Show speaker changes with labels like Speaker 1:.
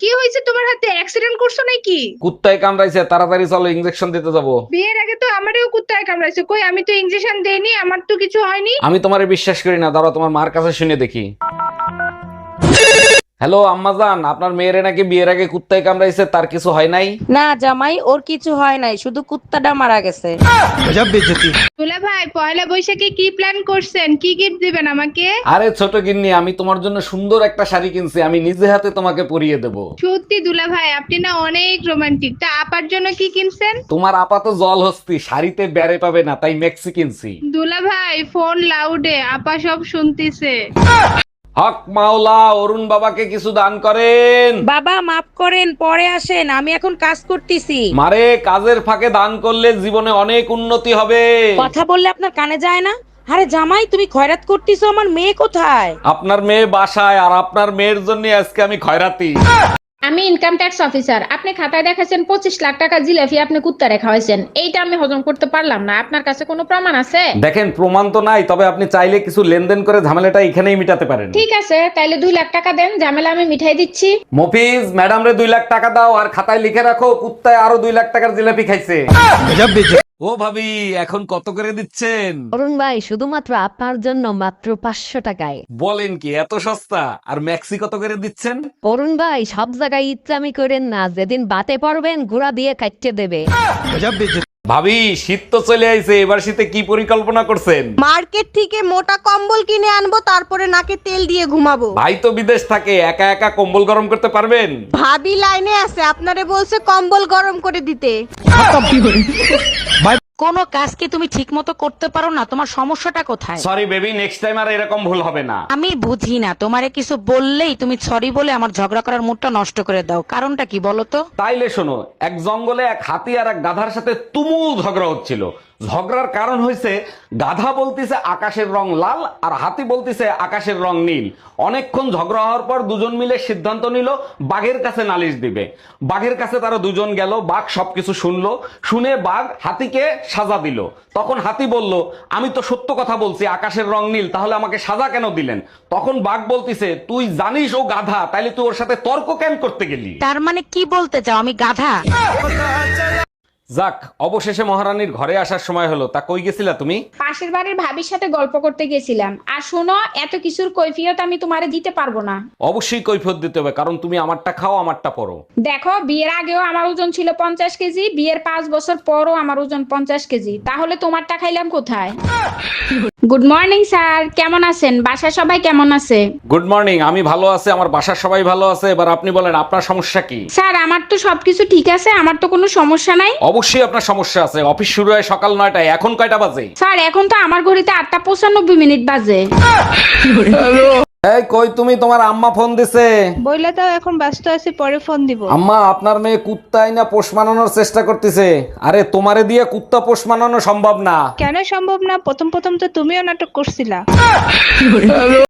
Speaker 1: কি হয়েছে তোমার হাতে? অ্যাক্সিডেন্ট করছো নাকি?
Speaker 2: কুত্তায় কামড়াইছে, তাড়াতাড়ি চলো, ইনজেকশন দিতে যাবো।
Speaker 1: বিয়ের আগে তো আমারও কুত্তায় কামড়াইছে। কই, আমি তো ইনজেকশন দেইনি, আমার তো কিছু হয়নি।
Speaker 2: আমি তোমারে বিশ্বাস করি না, দাঁড়াও তোমার মার কাছে শুনে দেখি। হ্যালো আম্মাজান, আপনার মেয়েরে নাকি বিয়ের আগে কুত্তায় কামড়াইছে, তার কিছু হয় নাই?
Speaker 3: না জামাই, ওর কিছু হয় নাই, শুধু কুত্তাটা মারা গেছে।
Speaker 1: দুলা ভাই, পয়লা বৈশাখে কি প্ল্যান করছেন? কি গিফট দিবেন আমাকে?
Speaker 2: আরে ছোট গিন্নি, আমি তোমার জন্য সুন্দর একটা শাড়ি কিনছি, আমি নিজে হাতে তোমাকে পরিয়ে দেব।
Speaker 1: সত্যি দুলা ভাই, আপনি না অনেক রোমান্টিক। তা আপার জন্য কি কিনছেন?
Speaker 2: তোমার আপাত জল হস্তি, শাড়িতে বেড়ে পাবে না, তাই মেক্সি কিনছি।
Speaker 1: দুলা ভাই, ফোন লাউডে, আপা সব শুনতিছে।
Speaker 2: হক মাওলা, অরুণ বাবাকে কিছু দান করেন।
Speaker 3: বাবা মাফ করেন, পরে আসেন, আমি এখন কাজ করতেছি।
Speaker 2: মারে, কাজের ফাঁকে দান করলে জীবনে অনেক উন্নতি হবে।
Speaker 3: কথা বললে আপনার কানে যায় না? আরে জামাই, তুমি খয়রাত করতেছো, আমার মেয়ে কোথায়?
Speaker 2: আপনার মেয়ে বাসায়, আর আপনার মেয়ের জন্য আজকে আমি খয়রাতি।
Speaker 4: আমি ইনকাম ট্যাক্স অফিসার। আপনি খাতায় দেখাচ্ছেন 25 লাখ টাকা জিলাপি আপনি কুত্তা রেখা হয়েছেন। এইটা আমি হজম করতে পারলাম না। আপনার কাছে কোনো প্রমাণ আছে?
Speaker 2: দেখেন, প্রমাণ তো নাই, তবে আপনি চাইলে কিছু লেনদেন করে ঝামেলাটা এখানেই মিটাতে পারেন।
Speaker 4: ঠিক আছে, তাইলে 2 লাখ টাকা দেন, ঝামেলা আমি মিঠাই দিচ্ছি।
Speaker 2: মফিজ, ম্যাডাম রে 2 লাখ টাকা দাও, আর খাতায় লিখে রাখো কুত্তায় আরো 2 লাখ টাকার জিলাপি খাইছে। ও ভাবি, এখন কত করে দিচ্ছেন?
Speaker 5: অরুণ ভাই, শুধুমাত্র আপনার জন্য মাত্র 500 টাকায়।
Speaker 2: বলেন কি, এত সস্তা? আর ম্যাক্সি কত করে দিচ্ছেন?
Speaker 5: অরুণ ভাই, সব জায়গায় ইচ্ছামি করেন না, যেদিন বাতে পড়বেন ঘোড়া দিয়ে কাটতে দেবে।
Speaker 2: ভাবি, শীত তো চলে আইছে, এবার শীতে কি পরিকল্পনা করছেন?
Speaker 6: মার্কেট থেকে মোটা কম্বল কিনে আনবো, তারপরে নাকে তেল দিয়ে ঘুমাবো।
Speaker 2: ভাই তো বিদেশ থাকে, একা একা কম্বল গরম করতে পারবেন?
Speaker 6: ভাবি লাইনে আছে, আপনারে বলছে কম্বল গরম করে দিতে।
Speaker 3: কোনো কাজ কি তুমি ঠিক মতো করতে পারো না? তোমার সমস্যাটা কোথায়?
Speaker 2: সরি বেবি, নেক্সট টাইম আর এরকম ভুল হবে না।
Speaker 3: আমি বুঝি না, তোমারে কিছু বললেই তুমি সরি বলে আমার ঝগড়া করার মুডটা নষ্ট করে দাও। কারণটা কি বলো তো?
Speaker 2: তাইলে শোনো, এক জঙ্গলে এক হাতি আর এক গাধার সাথে তুমুল ঝগড়া হচ্ছিল। ঝগড়ার কারণ হয়েছে, গাধা বলতিছে আকাশের রং লাল আর হাতি বলতিছে আকাশের রং নীল। অনেকক্ষণ ঝগড়া হওয়ার পর দুজন মিলে সিদ্ধান্ত নিল বাঘের কাছে নালিশ দিবে। বাঘের কাছে তারা দুজন গেল, বাঘ সবকিছু শুনলো, শুনে বাঘ হাতিকে সাজা দিল। তখন হাতি বলল, আমি তো সত্য কথা বলছি, আকাশের রং নীল, তাহলে আমাকে সাজা কেন দিলেন? তখন বাঘ বলতিছে, তুই জানিস ও গাধা, তাইলে তুই ওর সাথে তর্ক কেন করতে গেলি?
Speaker 3: তার মানে কি বলতে চাও আমি গাধা?
Speaker 2: যাক, অবশেষে মহারানীর ঘরে আসার সময় হলো। তা কই গেছিলা তুমি?
Speaker 4: পাশের বাড়ির ভাবির সাথে গল্প করতে গেছিলাম। আর শোনো, এত কিছুর কৈফিয়ত আমি তোমারে দিতে পারবো না।
Speaker 2: অবশ্যই কৈফিয়ত দিতে হবে, কারণ তুমি আমারটা খাও আমারটা পরো।
Speaker 4: দেখো, বিয়ের আগেও আমার ওজন ছিল 50 কেজি, বিয়ের 5 বছর পরও আমার ওজন 50 কেজি। তাহলে তোমারটা খাইলাম কোথায়? গুড মর্নিং স্যার, কেমন আছেন? বাসায় সবাই কেমন আছে?
Speaker 2: গুড মর্নিং, আমি ভালো আছি, আমার বাসার সবাই ভালো আছে। এবার আপনি বলেন, আপনার সমস্যা কি?
Speaker 4: স্যার, আমার তো সবকিছু ঠিক আছে, আমার তো কোনো সমস্যা নাই।
Speaker 2: অবশ্যই আপনার সমস্যা আছে। অফিস শুরু হয় সকাল 9টায়, এখন কয়টা বাজে?
Speaker 4: স্যার, এখন তো আমার ঘড়িতে 8:95 বাজে।
Speaker 2: এই কই তুমি, তোমার আম্মা ফোন দিছে।
Speaker 1: বইলা দাও, এখন ব্যস্ত আছি, পরে ফোন দিব।
Speaker 2: আম্মা, আপনার মেয়ে কুত্তাই না পোষ মানানোর চেষ্টা করতেছে। আরে তোমারে দিয়ে কুত্তা পোষ মানানো সম্ভব না।
Speaker 1: কেন সম্ভব না? প্রথম প্রথম তো তুমিও নাটক করছিলা।